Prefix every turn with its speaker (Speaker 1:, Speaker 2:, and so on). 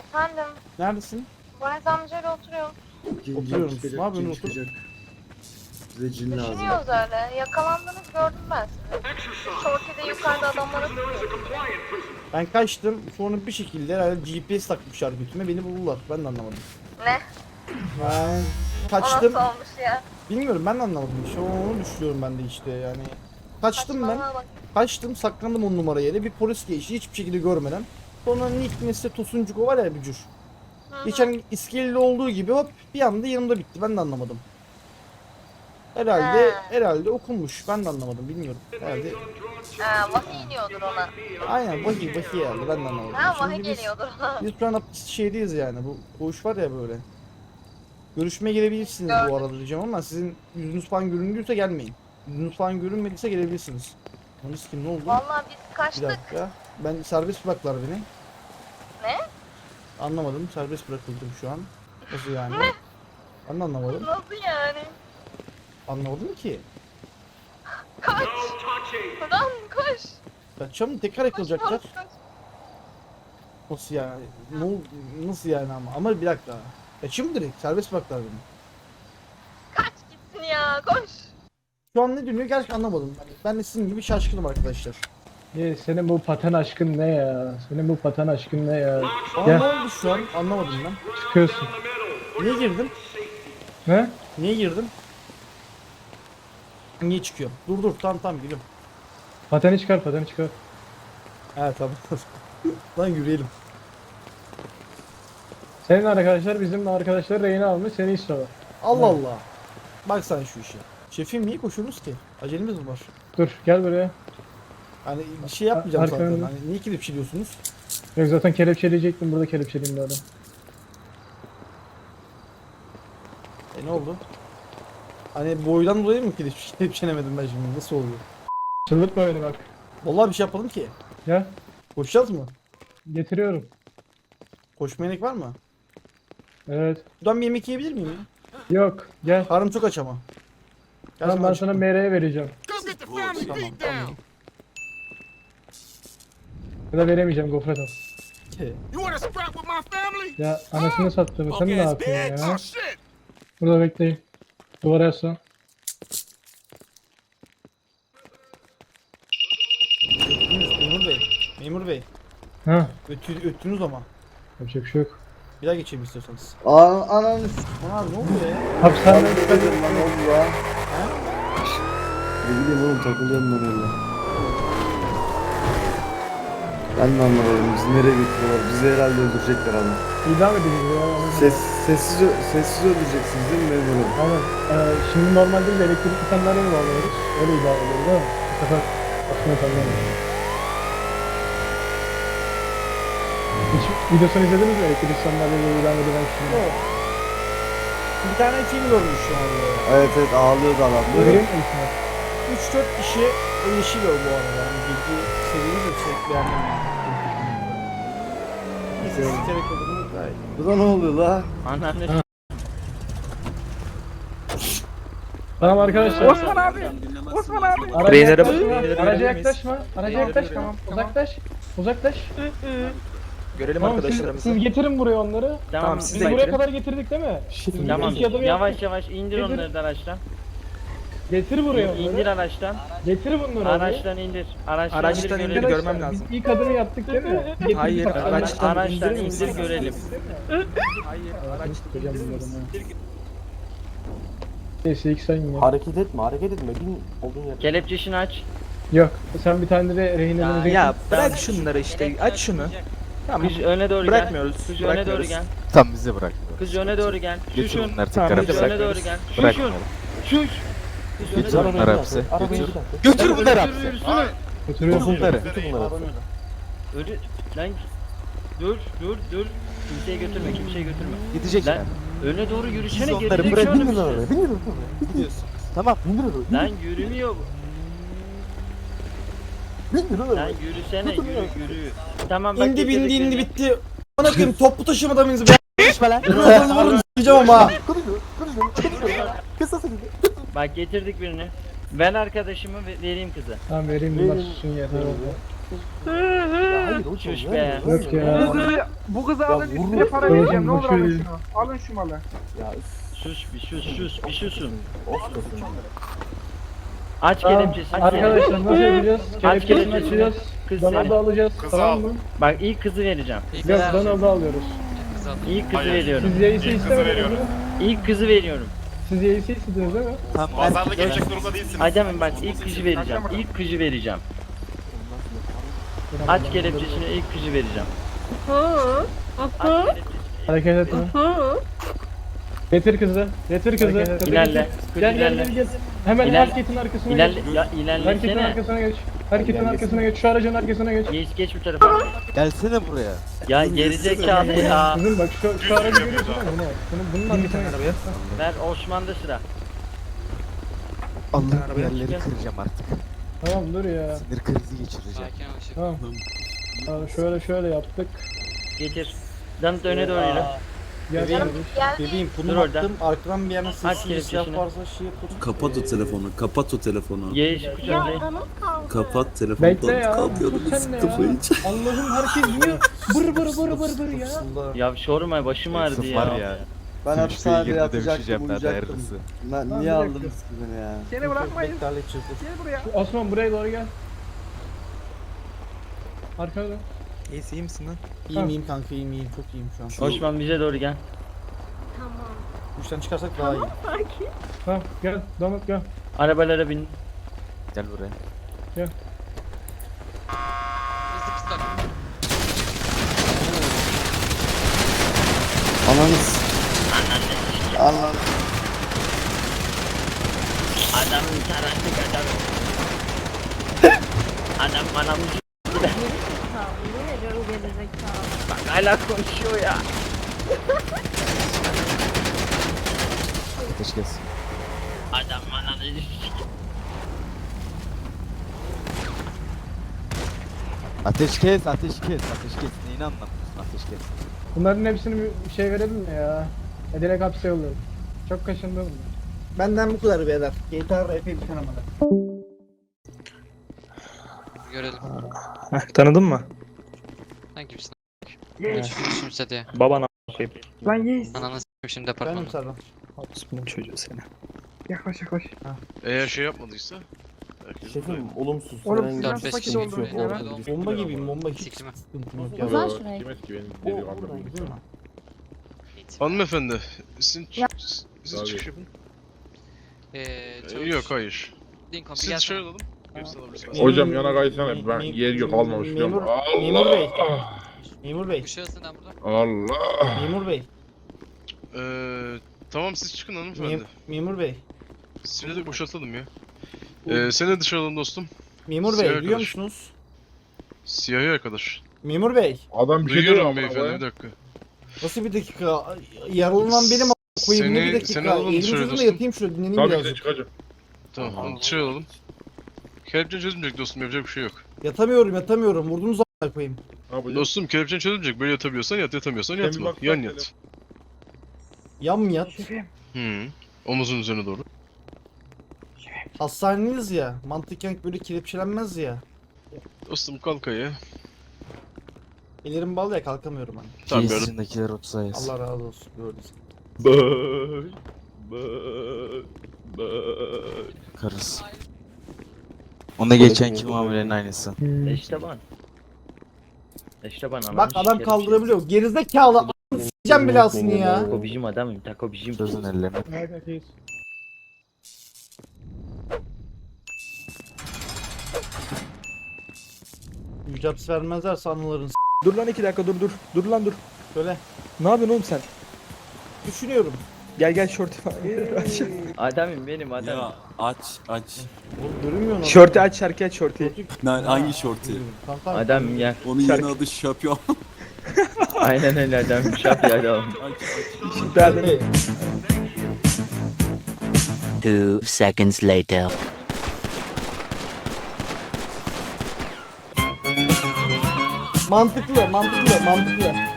Speaker 1: Efendim,
Speaker 2: Neredesin?
Speaker 1: Valiz amcayla oturuyor.
Speaker 2: Oturuyorum. Ne yapıyorsun, otur?
Speaker 3: Bize cin lazım.
Speaker 1: Düşünüyoruz öyle. Yakalandığınızı gördüm ben sizi. Shorty'de yukarıda adamlara tutuyorsunuz.
Speaker 2: Ben kaçtım. Sonra bir şekilde herhalde GPS takmışlar götüme. Beni buldular. Ben de anlamadım.
Speaker 1: Ne?
Speaker 2: Ben
Speaker 1: O
Speaker 2: kaçtım.
Speaker 1: nasıl olmuş ya?
Speaker 2: Bilmiyorum, ben de anlamadım. İşte onu düşünüyorum ben de işte yani. Kaçtım ben.
Speaker 1: Saçmalama bak.
Speaker 2: Kaçtım, saklandım 10 numara yere. Bir polis geçti hiçbir şekilde görmeden. Sonra Nick Mesle Tosuncuko var ya, bücür. Geçen iskeleli olduğu gibi hop bir anda yanımda bitti. Ben de anlamadım. Herhalde okunmuş. Ben de anlamadım, bilmiyorum. Herhalde
Speaker 1: Vahiy iniyordur ona.
Speaker 2: aynen vahiy herhalde, ben de anlamadım.
Speaker 1: Ha,
Speaker 2: Şimdi
Speaker 1: vahiy geliyordur ona.
Speaker 2: biz şu an şeydeyiz yani, bu koğuş var ya böyle. Görüşmeye gelebilirsiniz bu arada diyeceğim ama sizin yüzünüz falan göründüyse gelmeyin. Yüzünüz falan görünmediyse gelebilirsiniz. Yalnız kim, ne oldu?
Speaker 1: Vallahi biz
Speaker 2: Bir
Speaker 1: kaçtık.
Speaker 2: dakika. Ben serbest bıraktılar beni.
Speaker 1: Ne?
Speaker 2: Anlamadım. Serbest bırakıldım şu an. Nasıl yani?
Speaker 1: Ne?
Speaker 2: Ben de anlamadım.
Speaker 1: Nasıl yani?
Speaker 2: Anlamadım ki.
Speaker 1: Kaç! Lan koş!
Speaker 2: Kaçacağım, tekrar
Speaker 1: Koş,
Speaker 2: yakalayacaklar.
Speaker 1: koş, koş.
Speaker 2: Nasıl yani? Nasıl yani ama? Ama bir dakika. Kaçayım mı direkt? Serbest bıraktılar beni.
Speaker 1: Kaç gitsin ya, koş!
Speaker 2: Şu an ne dönüyor gerçekten anlamadım. Ben de sizin gibi şaşkınım arkadaşlar.
Speaker 4: Senin bu paten aşkın ne ya? Senin bu paten aşkın ne ya?
Speaker 2: Aa,
Speaker 4: Gel.
Speaker 2: ne oldu şu an? Anlamadım ben.
Speaker 4: Çıkıyorsun.
Speaker 2: Niye girdim?
Speaker 4: Ne?
Speaker 2: Niye girdim? Niye çıkıyor? Dur tamam geliyorum.
Speaker 4: Pateni çıkar, pateni çıkar.
Speaker 2: Evet tamam. Lan yürüyelim.
Speaker 4: Senin arkadaşlar bizim arkadaşlar rehine almış, seni istiyorlar.
Speaker 2: Allah Allah. Bak sen şu işe. Şefim, niye koşuyorsunuz ki? Acelemiz mi var?
Speaker 4: Dur gel buraya.
Speaker 2: Hani bir şey yapmayacağım zaten.
Speaker 4: Arkamda.
Speaker 2: Hani niye kelepçeliyorsunuz?
Speaker 4: Yok zaten kelepçeleyecektim, burada kelepçeleyeyim de adam.
Speaker 2: Ne oldu? Hani boydan dolayı mı kelepçelemedim ben şimdi? Nasıl oluyor?
Speaker 4: Çıldırtma beni bak.
Speaker 2: Vallahi bir şey yapalım ki.
Speaker 4: Gel.
Speaker 2: Koşacağız mı?
Speaker 4: Getiriyorum.
Speaker 2: Koşmaya gerek var mı?
Speaker 4: Evet.
Speaker 2: Buradan bir yemek yiyebilir miyim ya?
Speaker 4: Yok. Gel.
Speaker 2: Karnım çok aç ama.
Speaker 4: Tamam, ben sana MR'ye vereceğim.
Speaker 2: Tamam.
Speaker 4: Ya da veremeyeceğim, gofret al.
Speaker 2: He.
Speaker 4: Ya anasını sattım. Sen ne yapıyorsun ya? Burada bekleyin. Duvara yaslan.
Speaker 2: Memur Bey. Memur Bey.
Speaker 4: Ha.
Speaker 2: Öttünüz ama.
Speaker 4: Yapacak bir şey yok.
Speaker 2: Bir daha geçelim istiyorsanız.
Speaker 3: Ananı
Speaker 2: Ana ne oluyor ya?
Speaker 4: Hapishaneden
Speaker 3: s***.
Speaker 4: çıkar.
Speaker 3: Lan ne oldu ya? Ne bileyim oğlum, takılıyorum ben öyle. Ben de anlamadım. Bizi nereye götürüyorlar? Bizi herhalde öldürecekler ama.
Speaker 4: İdam edildi ya.
Speaker 3: Sessiz öldüreceksiniz değil mi memurum?
Speaker 4: Aynen. Şimdi normalde biz elektrikli sandalye mi bağlıyoruz? Öyle idare ediyoruz değil mi? Bu sefer aslında sandalye. Hiç videosunu izlediniz mi elektrikli sandalyeyle ilan edilen şimdi?
Speaker 2: Yok. Bir tane film görmüşüm abi.
Speaker 3: Evet ağlıyordu adam.
Speaker 4: Görüyor musun?
Speaker 2: 3-4 kişi yeşil o bu arada. Yani bilgi seviyeniz yüksek, beğendim yani. Neyse sikerek olduğunu gayet.
Speaker 3: Burada ne oluyor la?
Speaker 5: Anneanne
Speaker 4: Tamam arkadaşlar.
Speaker 5: Osman abi.
Speaker 4: Araca
Speaker 5: Treylere bak,
Speaker 4: yaklaşma.
Speaker 5: treylere
Speaker 4: Araca
Speaker 5: görebilir
Speaker 4: yaklaşma. Araca yaklaşma. Uzaklaş. Uzaklaş.
Speaker 5: Görelim
Speaker 4: Tamam,
Speaker 5: arkadaşlarımızı.
Speaker 4: siz getirin buraya onları.
Speaker 5: Tamam siz
Speaker 4: Biz
Speaker 5: de
Speaker 4: buraya
Speaker 5: getirin.
Speaker 4: kadar getirdik değil mi?
Speaker 5: Tamam.
Speaker 4: İlk adımı
Speaker 5: Yavaş
Speaker 4: yaptık.
Speaker 5: yavaş indir
Speaker 4: Getir.
Speaker 5: onları da araçtan.
Speaker 4: Getir buraya
Speaker 5: İndir
Speaker 4: onları.
Speaker 5: araçtan.
Speaker 4: Getir bunları
Speaker 5: Araçtan indir. Araçtan,
Speaker 6: Araçtan
Speaker 5: indir
Speaker 6: indir,
Speaker 5: görelim.
Speaker 6: görmem lazım.
Speaker 4: Biz ilk adımı yaptık değil mi? Getirdik
Speaker 6: Hayır,
Speaker 4: bak,
Speaker 6: araçtan
Speaker 5: Araçtan
Speaker 6: indirir
Speaker 5: indir
Speaker 6: misin?
Speaker 5: görelim.
Speaker 6: Hayır, araçtan
Speaker 4: Hocam
Speaker 6: indirir
Speaker 4: bunları,
Speaker 6: misin?
Speaker 4: ha. Neyse ilk sen ya.
Speaker 3: Hareket etme. Bin olduğun yer.
Speaker 5: Kelepçesini aç.
Speaker 4: Yok sen bir tane de rehinelerini
Speaker 6: Ya bırak şunları işte, aç şunu. Tamam,
Speaker 5: Kız öne doğru gel.
Speaker 6: bırakmıyoruz,
Speaker 5: Kız öne doğru
Speaker 6: bırakmıyoruz.
Speaker 5: gel.
Speaker 7: Tam bizi bırak.
Speaker 5: Kız öne doğru gel.
Speaker 7: Götür bunları
Speaker 6: Tamam,
Speaker 7: tekrar
Speaker 6: bizi
Speaker 5: Kız
Speaker 7: hapse.
Speaker 5: öne doğru gel.
Speaker 7: Bırakmıyorum.
Speaker 5: Şuş. Kız öne
Speaker 7: Götür
Speaker 5: doğru
Speaker 7: bunları hapse. Götür.
Speaker 4: götürüyor
Speaker 7: Götür
Speaker 4: musun?
Speaker 7: bunları.
Speaker 5: Öyle lan. Dur. Kimseye götürme.
Speaker 7: Gidecekler.
Speaker 5: Lan öne doğru yürüsene,
Speaker 7: Biz onları
Speaker 5: gerizekalı
Speaker 7: bırak-
Speaker 5: mısın?
Speaker 7: Gidiyorsun.
Speaker 3: Tamam.
Speaker 5: Lan yürümüyor bu. Lan yürüsene, yürü. Tamam bak
Speaker 2: İndi bindi
Speaker 5: getirdik
Speaker 2: indi
Speaker 5: seni.
Speaker 2: bitti. Bana koyayım, toplu taşımada mıyız be? Konuşma lan. Bunu vururum s**eceğim ama.
Speaker 5: Bak getirdik birini. Ben arkadaşımı vereyim kızı.
Speaker 4: Tamam vereyim bunlar susun yeter oldu.
Speaker 3: Hayır hocam.
Speaker 5: Şuş
Speaker 3: verme,
Speaker 5: be.
Speaker 4: Yok
Speaker 3: verme,
Speaker 4: ya.
Speaker 3: verme.
Speaker 8: Bu kızı
Speaker 3: Ya
Speaker 8: alın
Speaker 3: vurma.
Speaker 8: üstüne para
Speaker 4: Oğlum,
Speaker 8: vereceğim. Ne olur
Speaker 4: bu
Speaker 8: alın
Speaker 4: şey-
Speaker 8: şunu. Alın şu malı.
Speaker 3: Ya üf,
Speaker 5: Sus bir susun.
Speaker 3: of kafam.
Speaker 5: Aç
Speaker 4: Tamam.
Speaker 5: kelepçesini.
Speaker 4: Arkadaşlar nasıl yapacağız?
Speaker 5: Aç
Speaker 4: Kelepçesini
Speaker 5: kelepçesini.
Speaker 4: açacağız.
Speaker 5: Kız
Speaker 4: Danalı
Speaker 5: seni.
Speaker 4: da alacağız. Tamam mı?
Speaker 5: Bak ilk kızı vereceğim.
Speaker 4: Yok Danalı da alıyoruz.
Speaker 5: İlk kızı veriyorum.
Speaker 4: Siz yeisi istemediniz mi?
Speaker 5: İlk kızı veriyorum.
Speaker 4: Siz yeisi istediniz değil mi?
Speaker 9: Pazarda gelecek durumda değilsiniz.
Speaker 5: Adem'im bak ilk kızı vereceğim. İlk kızı vereceğim. Aç kelepçesini ilk kızı vereceğim. Aç kelepçesini.
Speaker 4: Hareket etme. Getir kızı. Getir kızı.
Speaker 5: İlerle. Kız
Speaker 4: Gel gel
Speaker 5: ilerle.
Speaker 4: gel gel. Hemen
Speaker 5: İlerle.
Speaker 4: hareketin arkasına
Speaker 5: İlerle.
Speaker 4: geç.
Speaker 5: Ya
Speaker 4: Hareketin
Speaker 5: ilerlesene.
Speaker 4: arkasına geç. Hareketin arkasına geç. Şu aracın arkasına geç.
Speaker 5: Geç bu tarafa.
Speaker 3: Gelsene buraya.
Speaker 5: Ya gerizekalı ya.
Speaker 4: Kızım bak şu aracı görüyorsun değil mi? Bunun arkasına geç.
Speaker 5: Ver Osman'da sıra.
Speaker 3: Allah'ın yerleri kıracağım artık.
Speaker 4: Tamam dur ya.
Speaker 3: Sinir krizi geçireceğim.
Speaker 4: Tamam. Şöyle yaptık.
Speaker 5: Getir. Danıt öne doğru yürü.
Speaker 4: Gel
Speaker 2: Bebeğim,
Speaker 4: kardeş.
Speaker 1: Geldi.
Speaker 2: bebeğim
Speaker 5: Dur
Speaker 2: bunu
Speaker 5: orada.
Speaker 2: attım. Arkadan bir yana
Speaker 5: Aç
Speaker 2: sessiz
Speaker 5: kelepçesini.
Speaker 2: silah varsa şey yapın.
Speaker 10: Kapat o telefonu, kapat o telefonu.
Speaker 5: Yeğiş kucağında.
Speaker 1: Canım kaldı.
Speaker 10: Kapat telefondan
Speaker 4: Bekle ya.
Speaker 10: kalkıyordum
Speaker 4: Sus sen de ya.
Speaker 10: kafayı hiç.
Speaker 4: Allah'ım herkes niye bır ya.
Speaker 2: Fısılda.
Speaker 5: Ya sorma başım ağrıdı ya.
Speaker 3: Ben hapishanede yatacaktım, uyuyacaktım.
Speaker 4: Lan
Speaker 3: Niye
Speaker 4: bir
Speaker 3: aldınız
Speaker 4: dakika.
Speaker 3: ki beni ya?
Speaker 8: Seni bırakmayın.
Speaker 2: Bekle halledeceğiz.
Speaker 8: Gel buraya.
Speaker 4: Osman buraya doğru gel. Arkada.
Speaker 7: İyi misin lan?
Speaker 2: İyiyim kanka iyiyim çok iyiyim şu an.
Speaker 5: Osman bize doğru gel.
Speaker 1: Tamam.
Speaker 2: Üçten çıkarsak daha iyi.
Speaker 1: Sakin.
Speaker 4: Tamam gel. Damat gel.
Speaker 5: Arabalara bin.
Speaker 3: Gel buraya. Ananız. Ananız.
Speaker 5: Adamın tarantık adam. Adam bana müzik.
Speaker 1: Ne veriyorum gerizekalı.
Speaker 5: Bak hala konuşuyor ya.
Speaker 3: Ateş kes.
Speaker 5: Adam bana müzik.
Speaker 3: Ateş kes, ateş kes, ateş kes. Neyini anlamıyorsun? Ateş kes.
Speaker 4: Bunların hepsini bir şey verelim mi ya? Direkt hapse yollayalım. Çok kaşındı bunlar.
Speaker 2: Benden bu kadar beyler. GTA epey bir tanımadı.
Speaker 11: Görelim.
Speaker 7: Tanıdın mı?
Speaker 11: Sen kimsin? Düşünse diye.
Speaker 7: Baban a**ayım.
Speaker 8: Lan yeğiz.
Speaker 11: Ananı s**eyim şimdi
Speaker 2: Benim
Speaker 11: departmanda.
Speaker 2: Serdan.
Speaker 7: Bunun çocuğu seni.
Speaker 8: Yaklaş yaklaş.
Speaker 9: Eğer şey yapmadıysa.
Speaker 3: Şefim olumsuz.
Speaker 8: Oğlum
Speaker 3: herhangi
Speaker 8: siz
Speaker 3: bir
Speaker 8: nasıl
Speaker 11: beş
Speaker 8: fakir
Speaker 11: kişi
Speaker 8: oldunuz
Speaker 11: yok,
Speaker 8: ya?
Speaker 11: olmadı.
Speaker 2: Bomba gibiyim bomba hiç
Speaker 11: Siklime.
Speaker 2: sıkıntım yok ya.
Speaker 1: Uzan şuraya.
Speaker 3: O oradan gidiyor mu?
Speaker 9: Hanımefendi. Siz çıkış yapın.
Speaker 11: Çavuş.
Speaker 9: Yok hayır.
Speaker 11: Lincoln bir
Speaker 9: Siz
Speaker 11: gel.
Speaker 9: dışarı alalım. Hepsi alabilirsiniz.
Speaker 10: Hocam yana kaysana ben yer yok almamış diyorum.
Speaker 2: Memur bey. Memur bey.
Speaker 11: Bu şahıs neden burada?
Speaker 10: Allah.
Speaker 2: Memur bey.
Speaker 9: Tamam siz çıkın hanımefendi.
Speaker 2: Memur bey.
Speaker 9: Seni de boşaltalım ya. Seni de dışarı alalım dostum.
Speaker 2: Memur
Speaker 9: Siyah
Speaker 2: bey duyuyor
Speaker 9: arkadaş.
Speaker 2: musunuz?
Speaker 9: Siyahi arkadaş.
Speaker 2: Memur bey.
Speaker 10: Adam bir şey diyor
Speaker 9: Duyuyorum
Speaker 10: ama
Speaker 9: beyefendi bir
Speaker 10: be.
Speaker 9: dakika.
Speaker 2: Nasıl bir dakika? Yaralanan benim a**a koyayım ne bir dakika?
Speaker 9: Seni alalım
Speaker 2: Elimi
Speaker 9: dışarı
Speaker 2: sözümle
Speaker 9: dostum.
Speaker 2: yatayım şurada dinleneyim
Speaker 10: Tabii ki
Speaker 2: birazcık.
Speaker 10: de çıkacağım.
Speaker 9: Tamam onu dışarı alalım. Kelepçen çözülmeyecek dostum yapacak bir şey yok.
Speaker 2: Yatamıyorum vurdunuz a**a koyayım.
Speaker 10: Ne yapacağım?
Speaker 9: Dostum kelepçen çözülmeyecek. Böyle yatabiliyorsan yat, yatamıyorsan
Speaker 10: Sen bir
Speaker 9: yatma.
Speaker 10: bak,
Speaker 9: Yan
Speaker 10: bak
Speaker 9: yat.
Speaker 2: Yan mı yat?
Speaker 9: Omuzun üzerine doğru.
Speaker 2: Hastaneyiz ya. Mantıken böyle kelepçelenmez ya.
Speaker 9: Dostum kalk ayağa.
Speaker 2: Ellerim bağlı ya kalkamıyorum hani.
Speaker 9: Tamam gördüm.
Speaker 3: Kesinlikler 30 ayız.
Speaker 2: Allah razı olsun gördünüz.
Speaker 3: Karız. Onda geçenki muamelenin aynısı.
Speaker 5: Eşteban. Eşteban
Speaker 2: Bak adam kaldırabiliyor. Gerizekalı a**ını s**eceğim belasını ya.
Speaker 5: Tako bizim adamım. Tako bizim.
Speaker 3: Çözün ellerini.
Speaker 4: Evet iyiyiz.
Speaker 2: Mücaps vermezlerse anıların s**.
Speaker 7: Dur lan 2 dakika dur. Dur lan dur.
Speaker 2: Şöyle
Speaker 7: Ne yapıyorsun oğlum sen?
Speaker 2: düşünüyorum.
Speaker 7: Gel şortu falan.
Speaker 5: Adamım benim adamım.
Speaker 10: Ya aç.
Speaker 2: Oğlum görünmüyor mu?
Speaker 7: Şortu aç şarkı aç şortu.
Speaker 10: Hangi şortu?
Speaker 2: Tamam, tamam.
Speaker 5: Adamım gel.
Speaker 10: Onun yeni adı şampiyon.
Speaker 5: Aynen öyle adamım. Şap ya adamım.
Speaker 2: Hey,
Speaker 12: 2 seconds later.
Speaker 2: mantıklı.